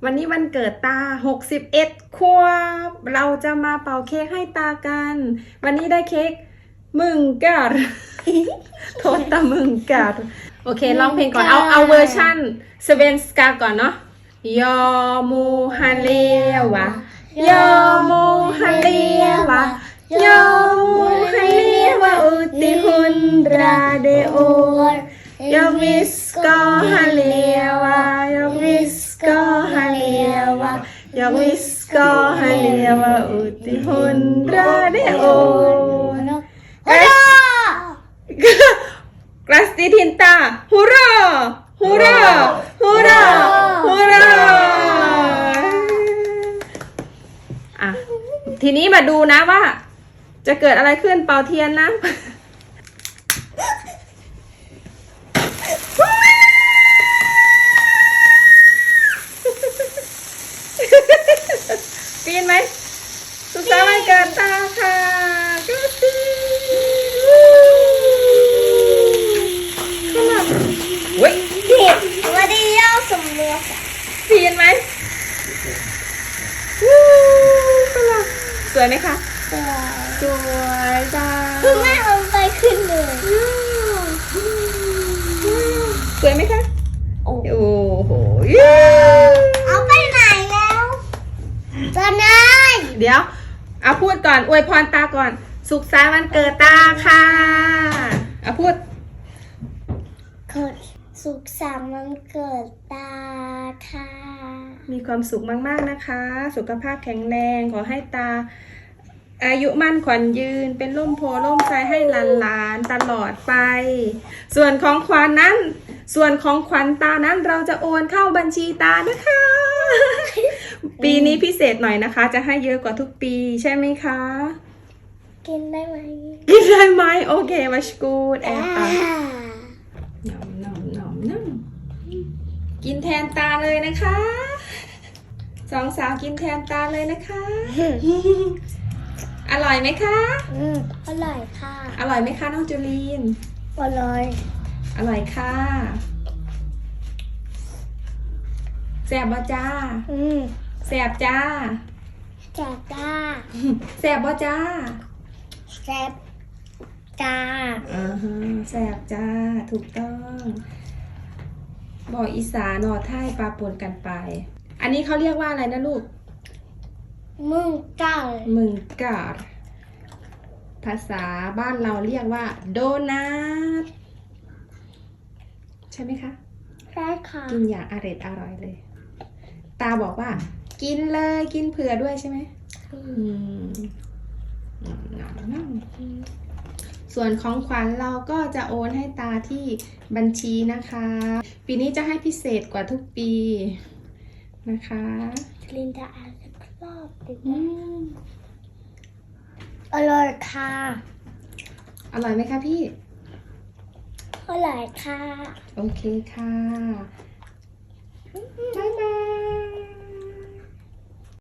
วันนี้วันเกิดตา61 ขวบเราจะมาเป่าเค้กให้ตากัน วันนี้ได้เค้กมึงกัด โทษตามึงกัดโอเคร้องเพลงก่อนเอาเวอร์ชันสเวนสกาก่อนเนาะยอมูฮันเลวะยอมูฮันเลวะยอมูฮันเลวะอุติฮุนราเดโอยอมิสกอฮันเลวะยอมิสกอฮันเลวะยอมิสกอฮันเลวะอุติฮุนราเดโอPasti Tinta, hurra, hurra, hurra, hurra อ่ะทีนี้มาดูนะว่าจะเกิดอะไรขึ้นเป่าเทียนนะปีนไหมสุขสันต์วันเกิดตาค่ะก็ปีเว้ยวันนี้เราสมรสปีนไหมวู้ขลังสวยไหมคะสวยจ้าคือแม่เอาไปขึ้นเลยสวยไหมคะโอ้โหเอาไปไหนแล้วตอนไหนเดี๋ยวเอาพูดก่อนอวยพรตาก่อนสุขสันต์วันเกิดตาค่ะเอาพูดสุขสันต์วันเกิดตาค่ะมีความสุขมากๆนะคะสุขภาพแข็งแรงขอให้ตาอายุมั่นขวัญยืนเป็นร่มโพล่มไทรให้หลานๆตลอดไปส่วนของขวัญนั้นส่วนของขวัญตานั้นเราจะโอนเข้าบัญชีตานะคะ ปีนี้พิเศษหน่อยนะคะจะให้เยอะกว่าทุกปีใช่ไหมคะกินได้ไหมกินได้ไหมโอเคมาชกูดแอบน้ำกินแทนตาเลยนะคะสองสาวกินแทนตาเลยนะคะอร่อยไหมคะอร่อยค่ะอร่อยไหมคะน้องจูลีนอร่อยอร่อยค่ะแซ่บบ่จ้าแซ่บจ้าแซ่บจ้าแซ่บบ่จ้าแซ่บจ้าแซ่บจ้าถูกต้องบอกอีสานอไทยปลาปนกันไปอันนี้เขาเรียกว่าอะไรนะลูกมึงกัดภาษาบ้านเราเรียกว่าโดนัทใช่ไหมคะใช่ค่ะกินอย่างอร่อยเลยตาบอกว่ากินเลยกินเผื่อด้วยใช่ไหมส่วนของขวัญเราก็จะโอนให้ตาที่บัญชีนะคะปีนี้จะให้พิเศษกว่าทุกปีนะคะลินดาอ่านรอบดิอร่อยค่ะอร่อยไหมคะพี่อร่อยค่ะโอเคค่ะบ๊ายบาย